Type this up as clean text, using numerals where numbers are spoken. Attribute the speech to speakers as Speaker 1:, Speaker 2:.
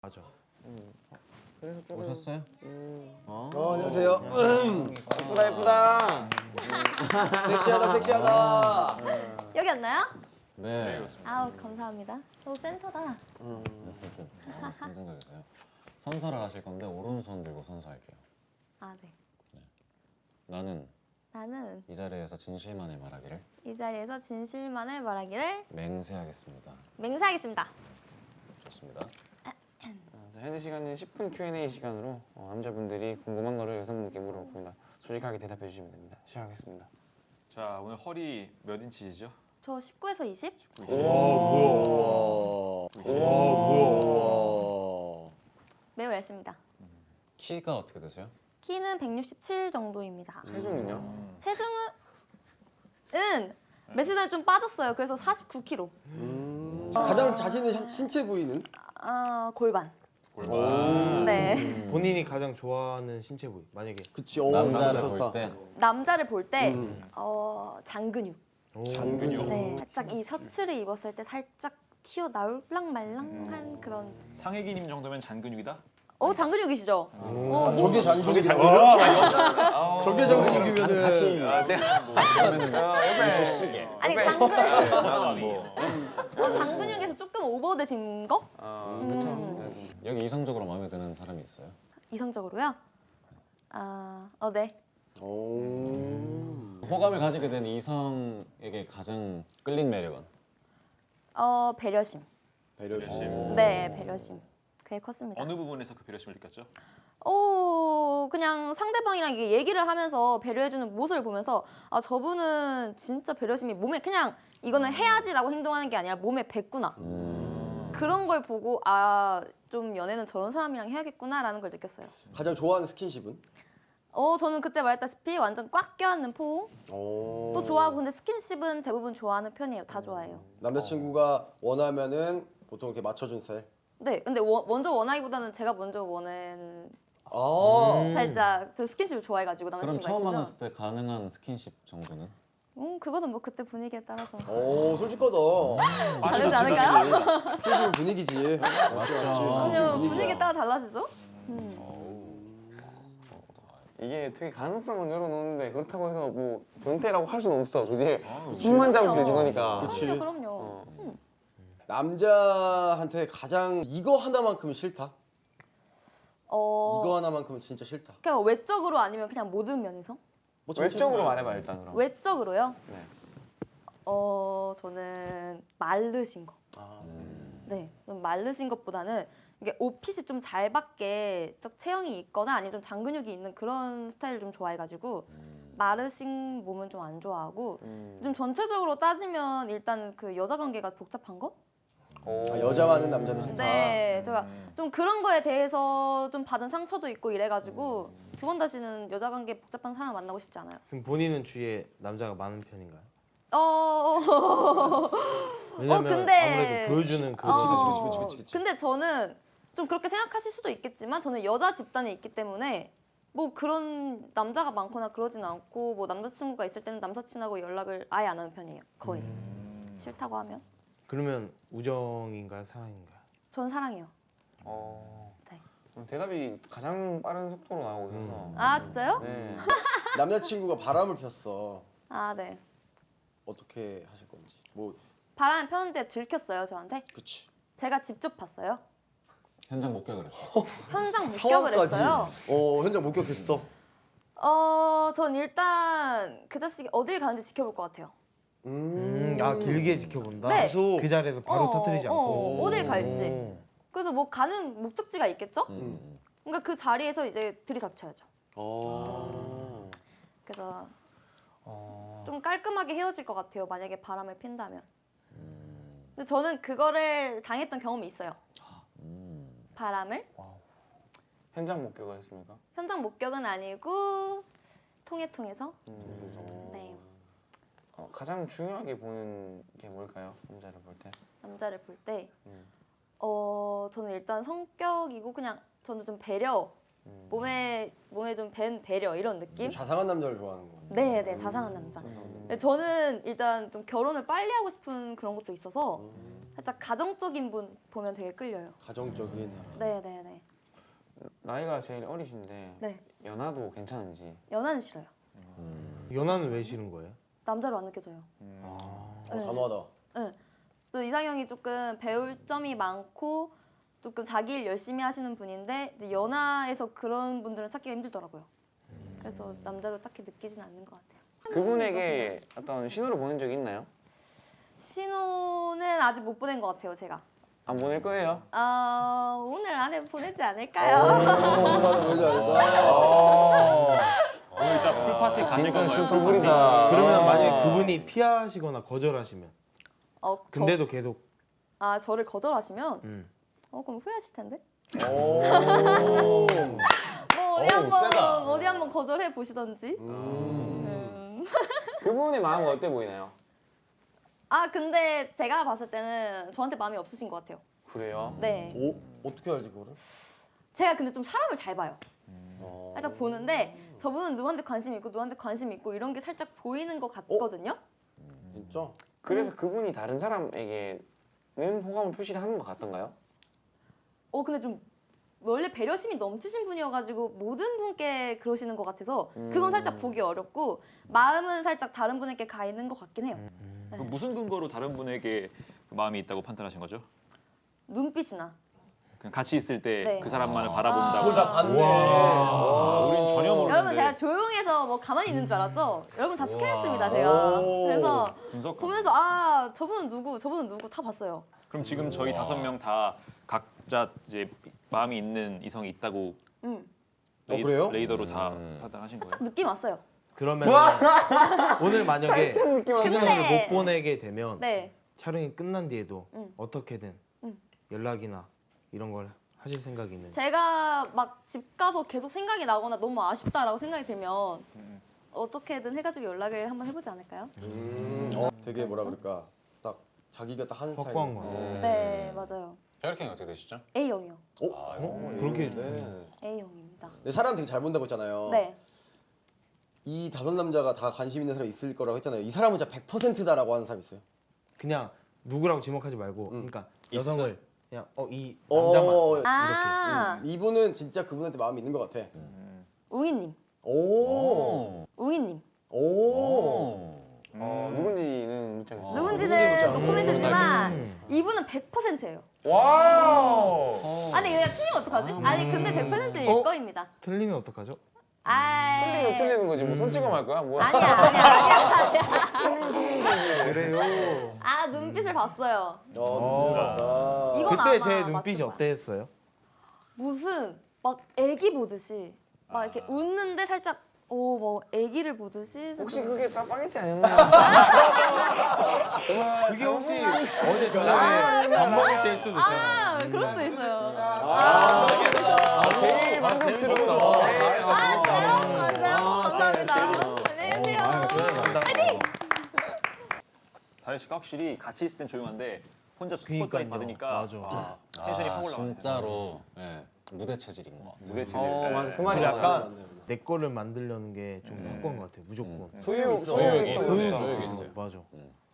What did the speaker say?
Speaker 1: 맞아.
Speaker 2: 그래서 조금
Speaker 3: 오셨어요?
Speaker 4: 안녕하세요.
Speaker 2: 예쁘다 예쁘다.
Speaker 4: 섹시하다 섹시하다.
Speaker 5: 여기였나요?
Speaker 3: 네.
Speaker 5: 아우 감사합니다. 오 센터다.
Speaker 3: 긍정적이세요. 선서를 하실 건데 오른손 들고 선서할게요.
Speaker 5: 아 네.
Speaker 3: 나는
Speaker 5: 나는
Speaker 3: 이 자리에서 진실만을 말하기를
Speaker 5: 이 자리에서 진실만을 말하기를
Speaker 3: 맹세하겠습니다.
Speaker 5: 맹세하겠습니다.
Speaker 3: 좋습니다.
Speaker 2: 현재 시간은 10분 Q&A 시간으로 남자분들이 궁금한 거를 여성분께 물어봅니다. 솔직하게 대답해 주시면 됩니다. 시작하겠습니다.
Speaker 6: 자, 오늘 허리 몇 인치시죠?
Speaker 5: 저 19에서 20?
Speaker 4: 오 뭐야.
Speaker 5: 매우 얇습니다.
Speaker 3: 키가 어떻게 되세요?
Speaker 5: 키는 167 정도입니다.
Speaker 2: 체중은요?
Speaker 5: 체중은 며칠 전에 좀 빠졌어요. 그래서 49kg.
Speaker 4: 가장 자신 있는 신체 부위는?
Speaker 5: 아 골반.
Speaker 6: 골반.
Speaker 5: 네.
Speaker 1: 본인이 가장 좋아하는 신체 부위 만약에
Speaker 4: 그치.
Speaker 3: 남자를
Speaker 4: 좋다.
Speaker 3: 볼 때
Speaker 5: 남자를 볼 때
Speaker 4: 음.
Speaker 5: 장근육.
Speaker 4: 장근육.
Speaker 5: 네. 살짝 이 셔츠를 입었을 때 살짝 튀어 나올랑 말랑한 그런.
Speaker 6: 상혜기님 정도면 잔근육이다?
Speaker 5: 장근육이시죠?
Speaker 4: 저게 장근육. 저게 장근육이면은
Speaker 2: 제가
Speaker 3: 이쑤시개.
Speaker 5: 아니 장근육에서 조금 오버되신 거?
Speaker 2: 그렇죠.
Speaker 3: 여기 이성적으로 마음에 드는 사람이 있어요?
Speaker 5: 이성적으로요? 네.
Speaker 3: 호감을 가지게 된 이성에게 가장 끌린 매력은?
Speaker 5: 배려심.
Speaker 4: 배려심.
Speaker 5: 네, 배려심. 그게 컸습니다.
Speaker 6: 어느 부분에서 그 배려심을 느꼈죠?
Speaker 5: 그냥 상대방이랑 이게 얘기를 하면서 배려해주는 모습을 보면서 저분은 진짜 배려심이 몸에 그냥 이거는 해야지라고 행동하는 게 아니라 몸에 뱄구나. 그런 걸 보고 좀 연애는 저런 사람이랑 해야겠구나라는 걸 느꼈어요.
Speaker 4: 가장 좋아하는 스킨십은?
Speaker 5: 저는 그때 말했다시피 완전 꽉 껴안는 포옹 또 좋아하고 근데 스킨십은 대부분 좋아하는 편이에요. 다 좋아해요.
Speaker 4: 남자친구가 원하면은 보통 이렇게 맞춰준 스타일?
Speaker 5: 네, 근데 먼저 원하기보다는 제가 먼저 원한 살짝 그 스킨십을 좋아해가지고
Speaker 3: 그럼
Speaker 5: 남자친구가
Speaker 3: 처음
Speaker 5: 있으면
Speaker 3: 만났을 때 가능한 스킨십 정도는?
Speaker 5: 그거는 뭐 그때 분위기에 따라서
Speaker 4: 솔직하다.
Speaker 5: 다르지 않을까요?
Speaker 4: 스킨십은 분위기지. 맞지.
Speaker 5: 아니요, 분위기에 따라 달라지죠?
Speaker 2: 이게 되게 가능성은 열어놓는데 그렇다고 해서 뭐 변태라고 할 수는 없어. 그지? 숨만 잡을 수 있는 거니까.
Speaker 4: 그치.
Speaker 5: 그럼요.
Speaker 4: 남자한테 가장 이거 하나만큼은 싫다.
Speaker 5: 어,
Speaker 4: 이거 하나만큼은 진짜 싫다.
Speaker 5: 그냥 외적으로 아니면 그냥 모든 면에서?
Speaker 4: 뭐
Speaker 2: 외적으로 말해봐 일단 그럼.
Speaker 5: 외적으로요?
Speaker 2: 네.
Speaker 5: 저는 마르신 거. 네, 좀 마르신 것보다는 이게 옷핏이 좀 잘 받게 딱 체형이 있거나 아니면 좀 장근육이 있는 그런 스타일을 좀 좋아해가지고 마르신 몸은 좀 안 좋아하고 좀 전체적으로 따지면 일단 그 여자 관계가 복잡한 거?
Speaker 4: 여자 많은 남자는 싫다.
Speaker 5: 네, 제가 좀 그런 거에 대해서 좀 받은 상처도 있고 이래가지고 두 번 다시는 여자 관계 복잡한 사람 만나고 싶지 않아요.
Speaker 1: 그럼 본인은 주위에 남자가 많은 편인가요? 왜냐면
Speaker 5: 근데
Speaker 1: 아무래도 보여주는
Speaker 4: 그치.
Speaker 5: 근데 저는 좀 그렇게 생각하실 수도 있겠지만 저는 여자 집단에 있기 때문에 뭐 그런 남자가 많거나 그러진 않고 뭐 남자친구가 있을 때는 남사친하고 연락을 아예 안 하는 편이에요. 거의. 싫다고 하면.
Speaker 1: 그러면 우정인가요, 사랑인가요?
Speaker 5: 전 사랑해요. 네.
Speaker 2: 대답이 가장 빠른 속도로 나오고 있어서.
Speaker 5: 아 진짜요?
Speaker 2: 네.
Speaker 4: 남자친구가 바람을 폈어.
Speaker 5: 아 네.
Speaker 4: 어떻게 하실 건지. 뭐
Speaker 5: 바람을 폈는데 들켰어요 저한테.
Speaker 4: 그치.
Speaker 5: 제가 직접 봤어요.
Speaker 3: 현장 목격을 했어.
Speaker 5: 현장 목격을 했어요.
Speaker 4: 현장 목격했어.
Speaker 5: 전 일단 그 자식이 어딜 가는지 지켜볼 것 같아요.
Speaker 1: 길게 지켜본다.
Speaker 5: 네.
Speaker 4: 계속.
Speaker 1: 그 자리에서 바로 터뜨리지 않고.
Speaker 5: 어딜 갈지. 그래서 뭐 가는 목적지가 있겠죠?
Speaker 3: 음.
Speaker 5: 그러니까 그 자리에서 이제 들이닥쳐야죠. 그래서 좀 깔끔하게 헤어질 것 같아요. 만약에 바람을 핀다면. 근데 저는 그거를 당했던 경험이 있어요. 바람을.
Speaker 2: 현장 목격을 했습니까?
Speaker 5: 현장 목격은 아니고 통해서. 네.
Speaker 2: 가장 중요하게 보는 게 뭘까요? 남자를 볼 때?
Speaker 5: 남자를 볼 때. 저는 일단 성격이고 그냥 저는 좀 배려. 몸에 좀 밴 배려 이런 느낌?
Speaker 4: 좀 자상한 남자를 좋아하는 거.
Speaker 5: 네, 자상한 남자. 저는 일단 좀 결혼을 빨리 하고 싶은 그런 것도 있어서 살짝 가정적인 분 보면 되게 끌려요.
Speaker 4: 가정적인 사람.
Speaker 5: 네네네.
Speaker 2: 나이가 제일 어리신데
Speaker 5: 네.
Speaker 2: 연하도 괜찮은지.
Speaker 5: 연하는 싫어요.
Speaker 1: 연하는 왜 싫은 거예요?
Speaker 5: 남자로 안 느껴져요.
Speaker 1: 아.
Speaker 5: 네.
Speaker 4: 단호하다.
Speaker 5: 또 이상형이 조금 배울 점이 많고 조금 자기 일 열심히 하시는 분인데 이제 연하에서 그런 분들은 찾기가 힘들더라고요. 그래서 남자로 딱히 느끼진 않는 것 같아요.
Speaker 2: 그분에게 어떤 신호를 보낸 적이 있나요?
Speaker 5: 신호는 아직 못 보낸 것 같아요, 제가.
Speaker 2: 안 보낼 거예요.
Speaker 5: 오늘 안에 보내지
Speaker 4: 어,
Speaker 5: 않을까요?
Speaker 4: 오늘은 왜지 않을까?
Speaker 6: 오늘 이따 풀파티 가실
Speaker 2: 진짜
Speaker 6: 건가요?
Speaker 2: 슈퍼불이다.
Speaker 1: 그러면 만약에 그분이 피하시거나 거절하시면 근데도 계속
Speaker 5: 저를 거절하시면 그럼 후회하실 텐데.
Speaker 4: 오.
Speaker 5: 뭐
Speaker 4: 어우, 세다.
Speaker 5: 어디 한번 거절해 보시던지.
Speaker 2: 그분의 마음은 어때 보이나요?
Speaker 5: 근데 제가 봤을 때는 저한테 마음이 없으신 것 같아요.
Speaker 2: 그래요?
Speaker 5: 네.
Speaker 4: 오, 어떻게 알지 그거를?
Speaker 5: 제가 근데 좀 사람을 잘 봐요.
Speaker 4: 어.
Speaker 5: 살짝 보는데 저분은 누구한테 관심 있고 누구한테 관심 있고 이런 게 살짝 보이는 것 같거든요.
Speaker 4: 진짜?
Speaker 2: 그래서 그분이 다른 사람에게는 호감을 표시를 하는 것 같던가요?
Speaker 5: 근데 좀 원래 배려심이 넘치신 분이어가지고 모든 분께 그러시는 것 같아서 그건 살짝 보기 어렵고 마음은 살짝 다른 분에게 가 있는 것 같긴 해요.
Speaker 6: 그럼 무슨 근거로 다른 분에게 그 마음이 있다고 판단하신 거죠?
Speaker 5: 눈빛이나.
Speaker 6: 그냥 같이 있을 때
Speaker 5: 네.
Speaker 6: 그 사람만을
Speaker 4: 그걸 다
Speaker 6: 바라본다거나.
Speaker 4: 봤네.
Speaker 1: 와.
Speaker 6: 우린 전혀 모르는데.
Speaker 5: 여러분 제가 조용해서 뭐 가만히 있는 줄 알았죠? 여러분 다 스캔했습니다 제가.
Speaker 4: 오.
Speaker 5: 그래서
Speaker 6: 분석.
Speaker 5: 보면서 저분은 누구 다 봤어요.
Speaker 6: 그럼 지금 저희 5명 다 각자 이제 마음이 있는 이성이 있다고
Speaker 4: 그래요?
Speaker 6: 레이더로 다 판단하신 거예요?
Speaker 5: 딱 느낌 왔어요.
Speaker 1: 그러면 오늘 만약에 신호를
Speaker 5: 근데-
Speaker 1: 못 보내게 되면
Speaker 5: 네.
Speaker 1: 촬영이 끝난 뒤에도 어떻게든
Speaker 5: 응.
Speaker 1: 연락이나 이런 걸 하실 생각이 있는지.
Speaker 5: 제가 막 집 가서 계속 생각이 나거나 너무 아쉽다라고 생각이 들면 어떻게든 해가지고 연락을 한번 해보지 않을까요?
Speaker 4: 되게 뭐라 그럴까? 딱 자기가 딱 하는 스타일.
Speaker 1: 확고한 거 같아요.
Speaker 5: 네 맞아요.
Speaker 3: 혈액형이 어떻게 되시죠?
Speaker 5: A형이요.
Speaker 1: 그렇게
Speaker 4: 네.
Speaker 5: A형입니다.
Speaker 4: 근데 사람 되게 잘 본다고 했잖아요.
Speaker 5: 네.
Speaker 4: 이 5남자가 다 관심 있는 사람이 있을 거라고 했잖아요. 이 사람은 진짜 100%다라고 하는 사람 있어요?
Speaker 1: 그냥 누구라고 지목하지 말고 그러니까 여성을 그냥 이
Speaker 4: 어,
Speaker 1: 남자만
Speaker 4: 이분은 진짜 그분한테 마음이 있는 것 같아.
Speaker 5: 웅이님.
Speaker 4: 오.
Speaker 5: 웅이님.
Speaker 4: 오.
Speaker 2: 누군지는 못 찾겠어요.
Speaker 5: 누군지는
Speaker 4: 묻지 않아.
Speaker 5: 노코멘트지만 이분은 100%예요.
Speaker 2: 와우.
Speaker 5: 아니 내가 틀리면 어떡하지? 아니 근데 100%일 거입니다.
Speaker 1: 틀리면 어떡하죠?
Speaker 2: 틀리면 틀리는 거지. 뭐 손찌검 할 거야? 뭐야?
Speaker 5: 아니야.
Speaker 1: 그래요.
Speaker 5: 눈빛을 봤어요.
Speaker 4: 눈물 같다.
Speaker 5: 이건
Speaker 1: 그때
Speaker 5: 아마
Speaker 1: 제 눈빛이
Speaker 5: 맞을 거야.
Speaker 1: 어땠어요?
Speaker 5: 무슨 막 애기 보듯이 막 이렇게 웃는데 살짝 뭐 애기를 보듯이
Speaker 2: 혹시 그게 짜파게티 아니었나요?
Speaker 1: 그게 혹시 어제 저녁에 밥 먹을 때일 수도 있잖아요.
Speaker 5: 그럴 수도 있어요.
Speaker 2: 제일 만족스러운 거.
Speaker 5: 감사합니다. 안녕히 계세요.
Speaker 6: 다혜 씨가 확실히 같이 있을 땐 조용한데 혼자
Speaker 1: 그러니까요.
Speaker 6: 스포트라이트 받으니까
Speaker 1: 맞아.
Speaker 6: 텐션이 확 올라가요.
Speaker 3: 진짜로 무대 체질인 것 같아요.
Speaker 6: 무대 체질.
Speaker 2: 맞아. 그 말이
Speaker 1: 근데
Speaker 2: 약간
Speaker 1: 약간 내 거를 만들려는 게 좀 확고한 것 같아요. 무조건.
Speaker 2: 소유
Speaker 3: 소유욕이
Speaker 2: 있어요.
Speaker 3: 소유욕이 있어요.
Speaker 1: 맞아.